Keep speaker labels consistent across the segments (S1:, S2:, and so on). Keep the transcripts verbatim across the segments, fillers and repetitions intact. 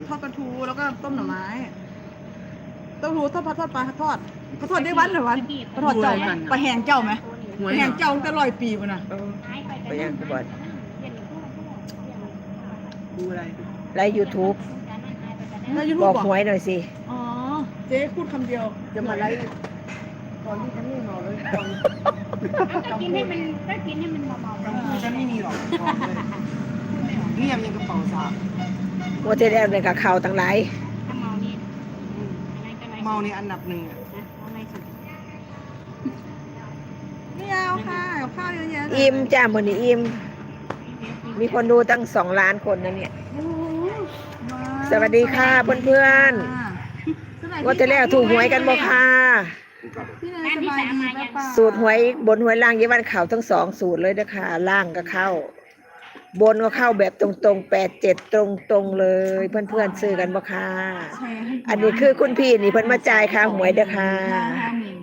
S1: ทอดปลาทูแล้วก็ต้มหน่อไม้ต้มหูทอดปลาทอดปลาทอดปลาทอดได้วันหรือวันปลาทอดเจ้าไหมปลาแห้งเจ้าไหมปลาแห้งเจ้าตั้งแต่ร้อยปีมันนะ
S2: ไปยังกูบอด
S3: ดูอะไร
S2: ไลฟ์ยูทูบ
S1: แล้วยูทู
S2: บบ อก
S1: บอก
S2: หวยหน่อยสิ
S1: อ๋อเจ๊พูดคำเดียว
S3: จะมาไล่ตอนที่ฉันไม่เมาเลยตอน
S4: ก็กินให้มันก็กินให้มันเมาๆ
S3: กลางคืนฉันไม่มีหรอกบอกเลยเงียบยังกระเป๋าสาว
S2: โมเทลเนี่ยกับเขาตั้งหลาย
S4: ถ้าเมานี่อะไรก็อะไร
S3: เมาในอันดับหนึ่งอ่ะ
S4: อะไรสุด
S1: ไม่เอาค่ะเอาข้าวเยอะแยะเลย
S2: อิ่มจ้ามือนี้อิ่มมีคนดูตั้งสองล้านคนนะเนี่ย
S1: โอ้โหว้าว
S2: สวัสดีค่ะเพื่อนๆ ว่าจะแล้วถูกหวยกันบ่ค่ะ
S1: พี่เนยสบายดีหรือเปล่า
S2: สูตรหวยบนหวยล่างยี่วันเขาทั้งสองสูตรเลยนะคะล่างก็เข้า บนก็เข้าแบบตรงๆแปดเจ็ดตรงๆเลย เพื่อนๆซื้อกันบ่ค่ะ
S1: แชร์ให้
S2: อันนี้คือคุณพี่นี่เพิ่นมาจ่ายค่าหวยเด้อค่ะ
S1: ห้าห้าหนึ่ง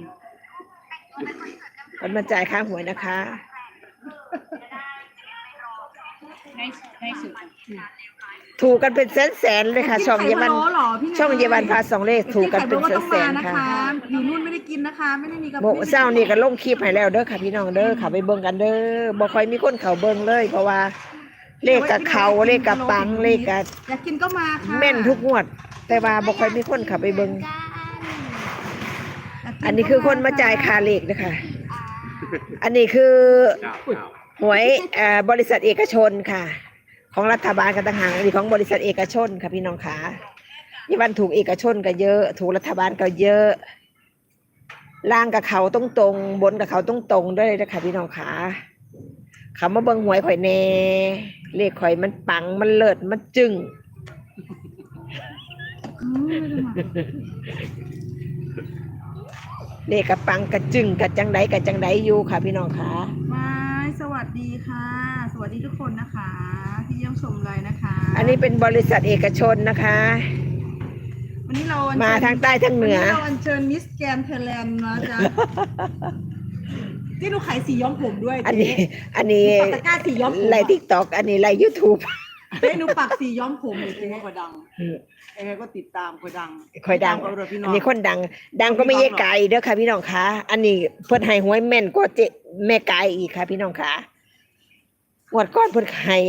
S2: เพิ่นมาจ่ายค่าหวยนะคะ
S4: ได้ได้สุด
S2: ถูกกันเป็นแสนๆเลยค่ะ ช่องเยาวัน
S1: กินไข่พะโล้เหรอพี่นย
S2: ช่องเยาวันพาสองเลขถูกกันเป็น
S1: ไข่พะโล้ต้อง
S2: แส
S1: มาน
S2: ๆ
S1: นะ
S2: ค่ะ
S1: คะอยู่นู่นไม่ได้กินนะคะ ไม่ได้มีกับ
S2: โมเช้านี่ก็ลงคลิปให้แล้วเด้อค่ะพี่น้องเด้อค่ะไปเบิ่งกันเด้อบ่ค่อยมีคนเข้าเบิ่งเลย เพราะว่าเลขกับเขาเลขกับปังเลขกับ
S1: อยากกินก็มาค่ะ
S2: แม่นทุกงวด แต่ว่าบ่ค่อยมีคนเข้าไปเบิ่ง
S1: ยากกิ
S2: อันนี้คือคนมาจ่ายค่าเลขนะคะอันนี้คือหวยเอ่อบริษัทเอกชนค่ะ ของรัฐบาลกันต่างหากอันนี้ของบริษัทเอกชนค่ะพี่น้องขายี่วันถูกเอกชนก็เยอะ ถูกรัฐบาลก็เยอะล่างกับเขาตรงตรงๆบนกับเขาตรงตรงๆด้วยนะคะพี่น้องขาคำว่าเบิ่งหวยข่อยแน่เลขข่อยมันปังมันเลิศมันจึ้ง
S1: อืมไม่ได้มา
S2: เลขกับปังกระจึงกระจังไดกระจังไดอยู่ค่ะพี่น้องขา
S1: ไม่สวัสดีค่ะ สวัสดีทุกคนนะคะ ที่เยี่ยมชมเลยนะคะ
S2: อันนี้เป็นบริษัทเอกชนนะคะ
S1: วันนี้เราอัญเชิญ
S2: มาทางใต้ทางเหนือ
S1: วันนี้เราอัญเชิญมิสแกรนด์ไทยแลนด์นะจ๊ะ ที่หนูขายสีย้อมผมด้วย
S2: อันนี้
S1: เจ๊
S2: อันนี้
S1: หนูปักตะกร้าสีย้อมผม
S2: ไลฟ์ทิกตอกอันนี้ไลฟ์ยูทูบ
S1: เจ๊หนูปักสีย้อมผมเลย
S3: เอ
S1: เจ๊
S3: งก็ดังเองก็ติดตามก็ดัง
S2: ค่อยดัง
S3: ติตามก็พี่น้
S2: อั
S3: อน ง
S2: นี้คนดัง ดังก็ไม่แย่ไกลเด้อค่ะพี่น้องคะอันนี้เพิ่นให้หวยแม่นกว่าเจแม่ไกลอีกค่ะ พี่น้องคะงวดก้อนเพิ่นให้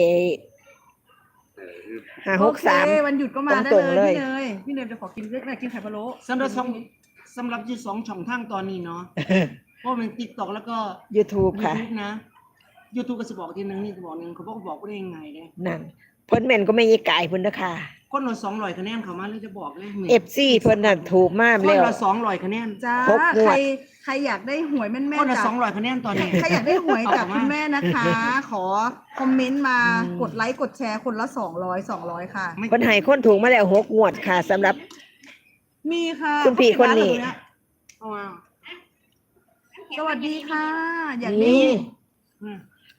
S2: ห้าหกสาม
S1: โอเควันหยุดก็มาได้
S2: ตรงๆ
S1: เล
S2: เลย ย
S1: พี่เนยพี่เนยจะขอกินเรื่องอะไรกินไข่พะโล้
S3: สำหรับสองสำหรับยี่สองช่องทางตอนนี้เนาะเพราะมันติ๊กต็อกแล้วก็
S2: YouTube
S3: ยู
S2: ค่ะ
S3: ทูบนะยูทูบก็จะบอกทีนึงนี่จะบอกหนึงเขาบอกบอกได้ยังไงเนี่ย
S2: นั่นเพิ่นแม่นก็ไม่แย่ไกลเพิ่นเด้อค่ะ
S3: คนละสองร้อยคะแนนเขามาเลยจะบอกเลย
S2: เอฟซีเพิ่นน่ะถูกมาก
S3: คน
S2: แล้ว
S3: ละสองร้อยคะแนน
S1: จ้า
S2: ครบงวด
S1: ใครใครอยากได้หวยแม่น
S3: คน
S1: ๆ
S3: ละ
S1: จาก
S3: สองร้อยคะแนนตอนนี้
S1: ใครอยากได้หวยจากคุณแม่นะคะ ขอคอมเมนต์มา
S2: อืม
S1: กดไลค์กดแชร์คนละสองร้อยสองร้อยค่ะ
S3: ไม่
S2: เพิ่นให้คนถูกมาแล้วหกงวดค่ะสำหรับ
S1: มีค่ะ
S2: คุณพี่คนนี้
S3: เอามา
S1: สวัสดีค่ะ อยากได้
S2: นี่
S3: อืม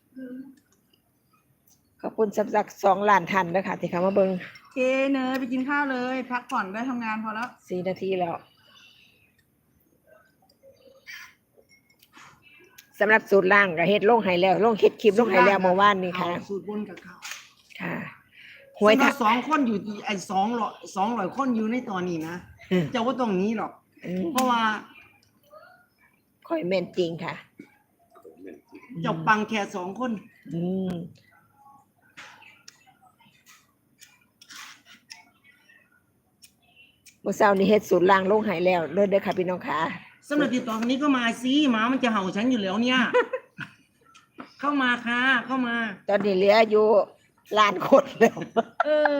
S2: ขอบคุณสำหรับสองล้านท่านเด้อค่ะที่เข้ามาเบิ่ง
S1: เคเนยไปกินข้าวเลย พักผ่อนได้ทำงานพอแล้ว
S2: สี่นาทีแล้วสำหรับสูตรล่างก็เฮ็ดลงให้แล้วลงเฮ็ดคลิปลงให้แล้วเมื่อวานนี้ค่ะ
S3: เอาสูตรบนกับเขา
S2: ค่ะหวย
S3: สำหรั
S2: ถ้า
S3: บสองคนอยู่ที่ไอ้สองร้อยสองร้อยคนอยู่ในตอนนี้นะ
S2: อืม
S3: เจะว่าตรงนี้หรอก
S2: อืม
S3: เพราะว่า
S2: ค่อยแม่นจริงค่ะ
S3: เจ้าปังแค่สองคน
S2: อืมเมื่อเช้านี้เฮ็ดสูตรล่างลงให้แล้วเด้อเด้อค่ะพี่น้องค่ะ
S3: สำหรับติดต่อคนนี้ก็มาสิหมามันจะเห่าฉันอยู่แล้วเนี่ย เข้ามาค่ะ เข้ามา
S2: ตอนนี้เหลืออยู่ล้านคนแล้ว
S1: เออ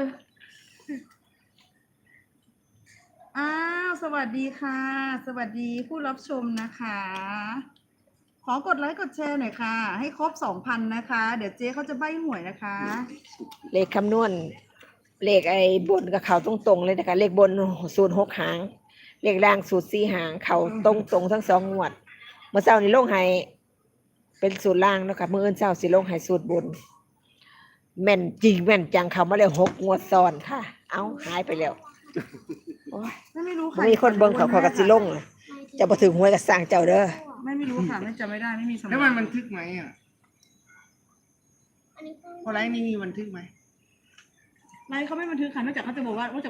S1: อ้าว สวัสดีค่ะ สวัสดีผู้รับชมนะคะ ขอกดไลค์กดแชร์หน่อยค่ะ ให้ครบสองพันนะคะ เดี๋ยวเจ๊เขาจะใบ้หวยนะคะ
S2: เลขคำนวณเลขไอ้บนกับเขาตรงๆเลยนะคะเลขบนสูตรหกหาง เลขล่างสูตรสี่หาง เขาตรงๆทั้งสองงวด เมื่อเช้านี้ลงให้เป็นสูตรล่างเนาะคะเมื่อเอิ้นเช้าสิลงให้สูตรบน แม่นจริงแม่นจังเขามาแล้วหกงวดซ้อนค่ะ เอาหายไปแล้วโอ้ย
S1: ไม่ไม่รู้
S2: บ่
S1: ค่ะ
S2: มีคนเบิ่งเขาเขาก็สิลงเลยจะบ่ถึงหวยก็สร้างเจ้าเด้อ
S1: ไม่ไม่รู้ค่ะ ไม่จำไม่ได้ไม่มีสมอง
S3: แล้วมันบันทึกไหมอ่ะพอไลฟ์ไม่มีบันทึกไหม
S1: ไลฟ์เขาไม่บันทึกค่ะนอกจากเขาจะบอกว่านอกจาก